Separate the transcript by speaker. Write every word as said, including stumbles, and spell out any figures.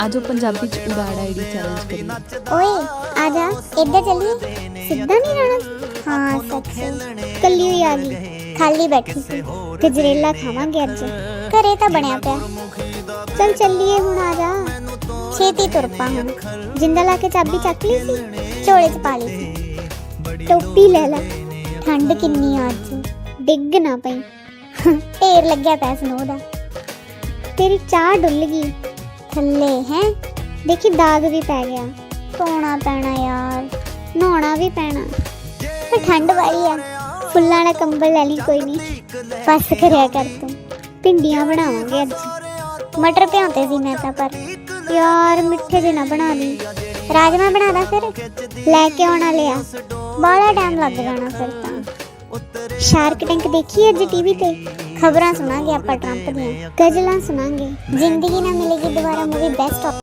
Speaker 1: आज पंजाबी च उड़ाड़ ID challenge करिए।
Speaker 2: ओए आजा इधर चलिए। सीधा नहीं रहना। हाँ सच कल्ली हुई आ गई, खाली बैठी सी। गजरेला खावांगे अज, घरे तो बनया पिया। चल चलिए हुण आजा, छेती तुर पा हुण। जिंदा ला के चाबी चक ली सी, झोले च पा ली सी। टोपी ले ला, ठंड किन्नी अज, डिग ना पई। ढेर लग्या पै स्नो दा। तेरी चाह डुल गई थल्ले हैं, देखी दाग भी पै गया। धोना पैना यार, नहाना भी पैना। पर ठंड वाली आ, फुल्लां वाला कंबल ले ली, कोई नहीं। बस करया कर तू। भिंडियां बनावांगे अज। मटर भ्यांते सी मैं तां, पर यार मिठे जे ना बना दी। राजमा बना दा फिर, लैके आउणा लिया। बाहला टाइम लग जाना फिर तां। शार्क टैंक देखी अज टीवी ते? खबरां सुनांगे आपां ट्रंप दियां, गजलां सुनांगे। जिंदगी ना मिलेगी दोबारा मूवी बेस्ट।